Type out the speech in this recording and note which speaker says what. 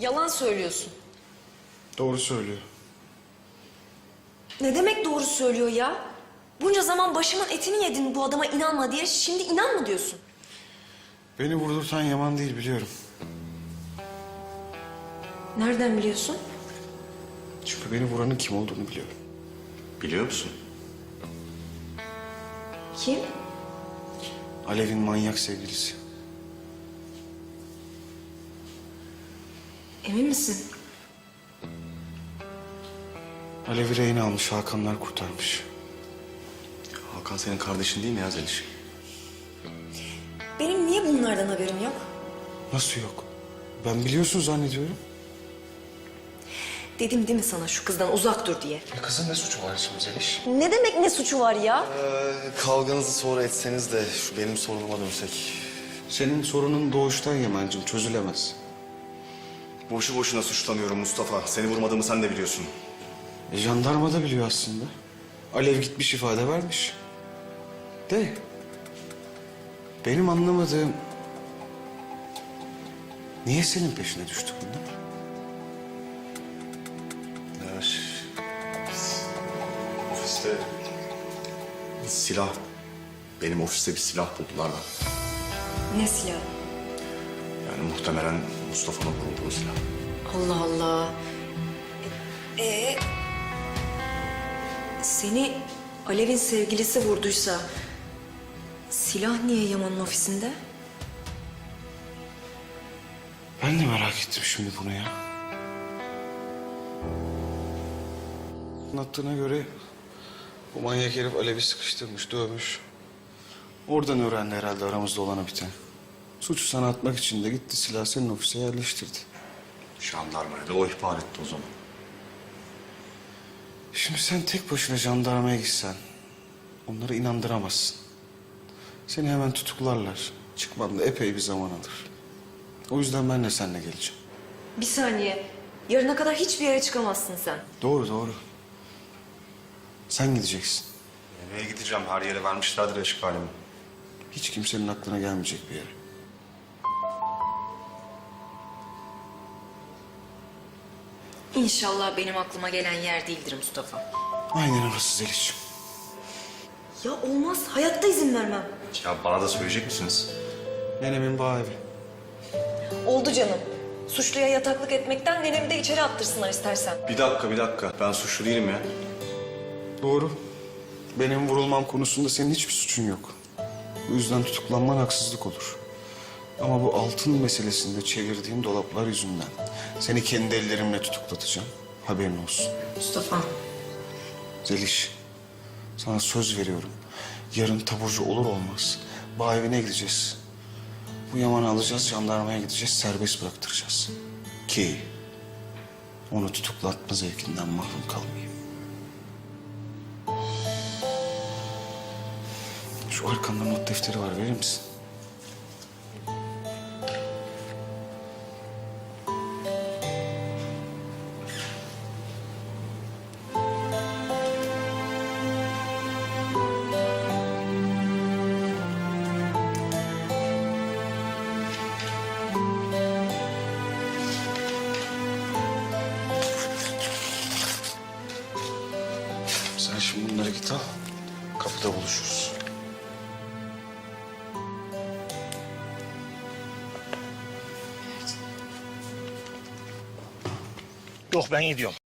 Speaker 1: Yalan söylüyorsun.
Speaker 2: Doğru söylüyor.
Speaker 1: Ne demek doğru söylüyor ya? Bunca zaman başımın etini yedin bu adama inanma diye. Şimdi inan mı diyorsun?
Speaker 2: Beni vurdurtan Yaman değil biliyorum.
Speaker 1: Nereden biliyorsun?
Speaker 2: Çünkü beni vuranın kim olduğunu biliyorum.
Speaker 3: Biliyor musun?
Speaker 1: Kim?
Speaker 2: Alev'in manyak sevgilisi.
Speaker 1: Emin misin?
Speaker 2: Alev'i rehin almış, Hakanlar kurtarmış.
Speaker 3: Hakan senin kardeşin değil mi ya Zeliş?
Speaker 1: Benim niye bunlardan haberim yok?
Speaker 2: Nasıl yok? Ben biliyorsun zannediyorum.
Speaker 1: Dedim değil mi sana şu kızdan uzak dur diye?
Speaker 2: Kızın ne suçu var şimdi Zeliş?
Speaker 1: Ne demek ne suçu var ya?
Speaker 3: Kavganızı sonra etseniz de şu benim sorunuma dönsek.
Speaker 2: Senin sorunun doğuştan Yaman'cığım, çözülemez.
Speaker 3: Boşu boşuna suçlamıyorum Mustafa. Seni vurmadığımı sen de biliyorsun.
Speaker 2: Jandarma da biliyor aslında. Alev gitmiş ifade vermiş. De. Benim anlamadığım... Niye senin peşine düştü bunlar?
Speaker 3: Ya, ofiste silah. Benim ofiste bir silah buldular da.
Speaker 1: Ne silah?
Speaker 3: Yani muhtemelen Mustafa'nın vurduğu silah.
Speaker 1: Allah Allah. Seni Alev'in sevgilisi vurduysa... silah niye Yaman'ın ofisinde?
Speaker 2: Ben de merak ettim şimdi bunu ya. Anlattığına göre bu manyak herif Alev'i sıkıştırmış, dövmüş. Oradan öğrendi herhalde aramızda olanı biten. Suçu sana atmak için de gitti silahı senin ofise yerleştirdi.
Speaker 3: Jandarmaya da o ihbar etti o zaman.
Speaker 2: Şimdi sen tek başına jandarmaya gitsen onları inandıramazsın. Seni hemen tutuklarlar. Çıkman da epey bir zaman alır. O yüzden ben de seninle geleceğim.
Speaker 1: Bir saniye. Yarına kadar hiçbir yere çıkamazsın sen.
Speaker 2: Doğru doğru. Sen gideceksin.
Speaker 3: Nereye gideceğim? Her yere vermişlerdir eşkalimi.
Speaker 2: Hiç kimsenin aklına gelmeyecek bir yere.
Speaker 1: İnşallah benim aklıma gelen yer değildir Mustafa.
Speaker 2: Aynen orası Zeliş'ciğim.
Speaker 1: Ya olmaz. Hayatta izin vermem.
Speaker 3: Ya bana da söyleyecek misiniz?
Speaker 2: Nenemin bağ evi.
Speaker 1: Oldu canım. Suçluya yataklık etmekten nenemi de içeri attırsınlar istersen.
Speaker 3: Bir dakika. Ben suçlu değilim ya.
Speaker 2: Doğru. Benim vurulmam konusunda senin hiçbir suçun yok. Bu yüzden tutuklanman haksızlık olur. Ama bu altın meselesinde çevirdiğin dolaplar yüzünden seni kendi ellerimle tutuklatacağım. Haberin olsun.
Speaker 1: Mustafa.
Speaker 2: Zeliş, sana söz veriyorum. Yarın taburcu olur olmaz bağ evine gideceğiz. Bu Yaman'ı alacağız, jandarmaya gideceğiz, serbest bıraktıracağız. Ki onu tutuklatma zevkinden mahrum kalmayayım. Şu arkanda not defteri var, verir misin? Sen şimdi bunları git al, kapıda buluşuruz.
Speaker 4: Yok ben gidiyorum.